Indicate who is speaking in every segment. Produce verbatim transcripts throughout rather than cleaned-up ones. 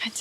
Speaker 1: Hadi.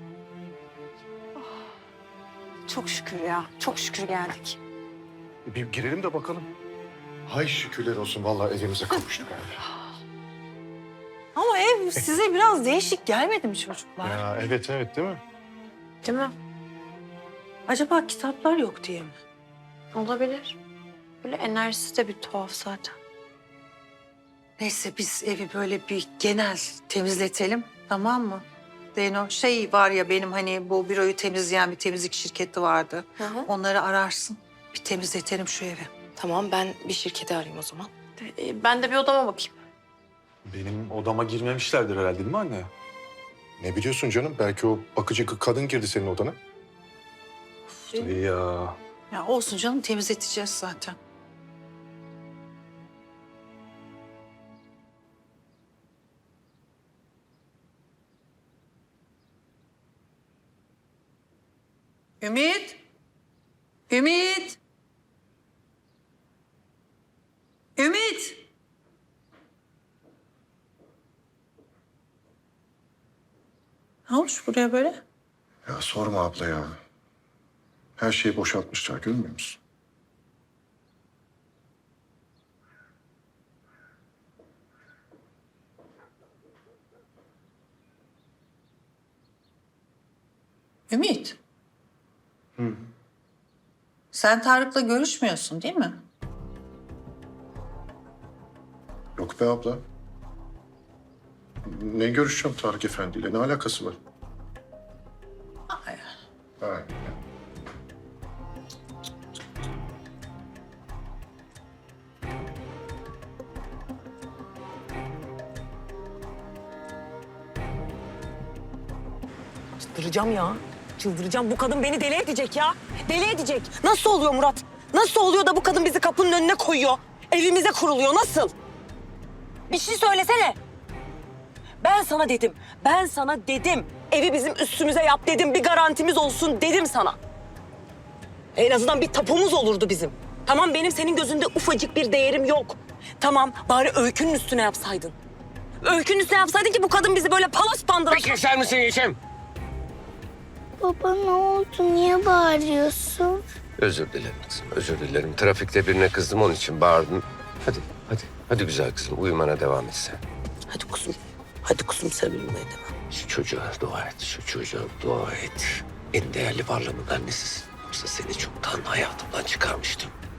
Speaker 1: Çok şükür ya. Çok şükür geldik.
Speaker 2: Bir girelim de bakalım. Hay şükürler olsun vallahi evimize kavuştuk abi.
Speaker 1: Ama ev size biraz değişik gelmedi mi çocuklar?
Speaker 2: Ya evet evet değil mi?
Speaker 1: Değil mi? Acaba kitaplar yok diye mi? Olabilir. Böyle enerjisi de bir tuhaf zaten. Neyse biz evi böyle bir genel temizletelim, tamam mı? Zeyno, şey var ya benim hani bu büroyu temizleyen bir temizlik şirketi vardı.
Speaker 3: Hı hı.
Speaker 1: Onları ararsın. Bir temizletelim şu evi.
Speaker 3: Tamam, ben bir şirketi arayayım o zaman.
Speaker 1: Ee, Ben de bir odama bakayım.
Speaker 2: Benim odama girmemişlerdir herhalde değil mi anne? Ne biliyorsun canım? Belki o bakıcı kadın girdi senin odana. Tabii ya.
Speaker 1: Ya olsun canım, temizleteceğiz zaten. Ümit. Ümit. Ümit. Ne olmuş buraya böyle?
Speaker 2: Ya sorma abla ya. Her şeyi boşaltmışlar görmüyor musun?
Speaker 1: Ümit. Hı. Sen Tarık'la görüşmüyorsun değil mi?
Speaker 2: Yok be abla. Ne görüşeceğim Tarık Efendi'yle? Ne alakası var?
Speaker 1: Ay.
Speaker 2: Ha.
Speaker 4: Çıldıracağım ya. Çıldıracağım. Bu kadın beni deli edecek ya. Deli edecek. Nasıl oluyor Murat? Nasıl oluyor da bu kadın bizi kapının önüne koyuyor? Evimize kuruluyor. Nasıl? Bir şey söylesene. Ben sana dedim. Ben sana dedim. Evi bizim üstümüze yap dedim. Bir garantimiz olsun dedim sana. En azından bir tapumuz olurdu bizim. Tamam, benim senin gözünde ufacık bir değerim yok. Tamam, bari Öykü'nün üstüne yapsaydın. Öykü'nün üstüne yapsaydın ki bu kadın bizi böyle palas pandıra...
Speaker 5: Bir keser misin Yeşim?
Speaker 6: Baba ne oldu? Niye bağırıyorsun?
Speaker 5: Özür dilerim kızım, özür dilerim. Trafikte birine kızdım, onun için bağırdım. Hadi, hadi, hadi güzel kızım. Uyumana devam et sen.
Speaker 4: Hadi kuzum. Hadi kuzum, sen uyumaya devam.
Speaker 5: Şu çocuğa dua et, şu çocuğa dua et. En değerli varlığımın annesisin. Yoksa seni çoktan hayatımdan çıkarmıştım.